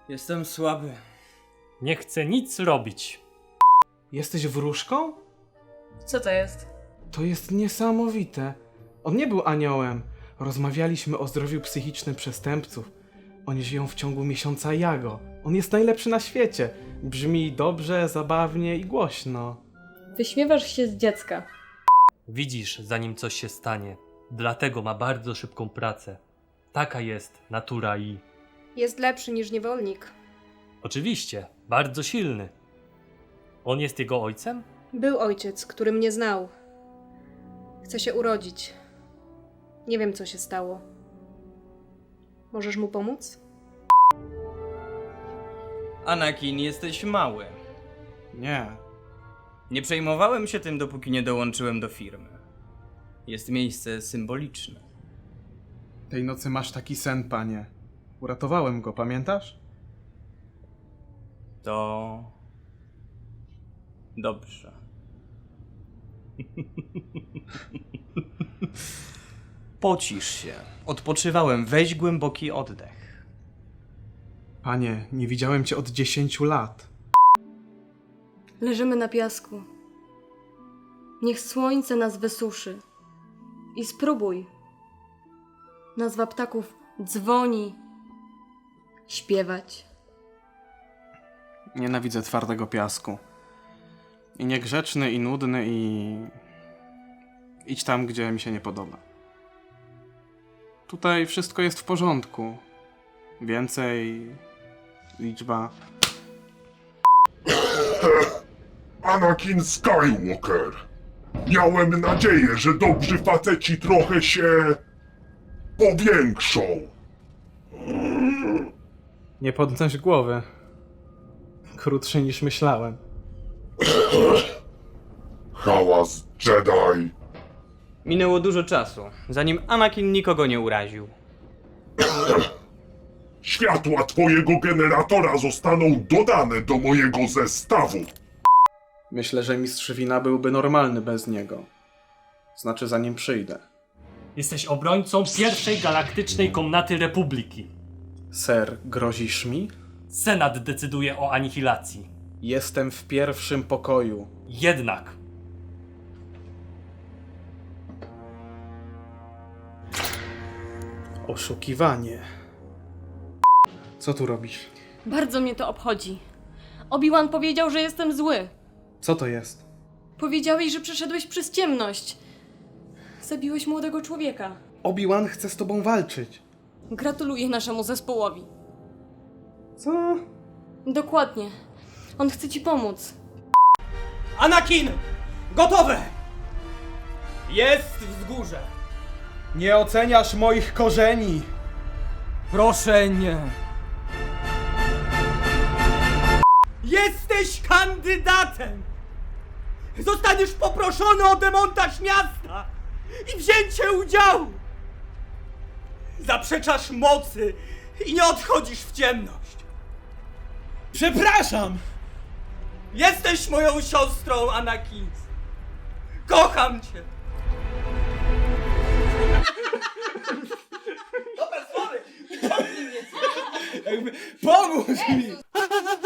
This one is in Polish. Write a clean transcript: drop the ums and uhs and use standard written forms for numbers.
Jestem słaby. Nie chcę nic robić. Jesteś wróżką? Co to jest? To jest niesamowite. On nie był aniołem. Rozmawialiśmy o zdrowiu psychicznym przestępców. Oni żyją w ciągu miesiąca Jago. On jest najlepszy na świecie. Brzmi dobrze, zabawnie i głośno. Wyśmiewasz się z dziecka. Widzisz, zanim coś się stanie. Dlatego ma bardzo szybką pracę. Taka jest natura i... Jest lepszy niż niewolnik. Oczywiście, bardzo silny. On jest jego ojcem? Był ojciec, który mnie znał. Chce się urodzić. Nie wiem, co się stało. Możesz mu pomóc? Anakin, jesteś mały. Nie. Nie przejmowałem się tym, dopóki nie dołączyłem do firmy. Jest miejsce symboliczne. Tej nocy masz taki sen, panie. Uratowałem go, pamiętasz? To... dobrze. Pocisz się. Odpoczywałem. Weź głęboki oddech. Panie, nie widziałem cię od 10 lat. Leżymy na piasku. Niech słońce nas wysuszy. I spróbuj. Nazwa ptaków dzwoni. Śpiewać. Nienawidzę twardego piasku. I niegrzeczny, i nudny, i... Idź tam, gdzie mi się nie podoba. Tutaj wszystko jest w porządku. Więcej... liczba... Anakin Skywalker. Miałem nadzieję, że dobrzy faceci trochę się powiększą. Nie podnoś głowy. Krótszy niż myślałem. Hałas Jedi. Minęło dużo czasu, zanim Anakin nikogo nie uraził. Światła twojego generatora zostaną dodane do mojego zestawu. Myślę, że mistrz wina byłby normalny bez niego. Znaczy, zanim przyjdę. Jesteś obrońcą pierwszej galaktycznej komnaty Republiki. Ser, grozisz mi? Senat decyduje o anihilacji. Jestem w pierwszym pokoju. Jednak Oszukiwanie. Co tu robisz? Bardzo mnie to obchodzi. Obi-Wan powiedział, że jestem zły. Co to jest? Powiedziałeś, że przeszedłeś przez ciemność. Zabiłeś młodego człowieka. Obi-Wan chce z tobą walczyć. Gratuluję naszemu zespołowi. Co? Dokładnie. On chce ci pomóc. Anakin! Gotowe! Jest wzgórze! Nie oceniasz moich korzeni! Proszę nie! Jesteś kandydatem! Zostaniesz poproszony o demontaż miasta i wzięcie udziału! Zaprzeczasz mocy i nie odchodzisz w ciemność! Przepraszam! Jesteś moją siostrą, Anakin! Kocham cię! Pomóż mi!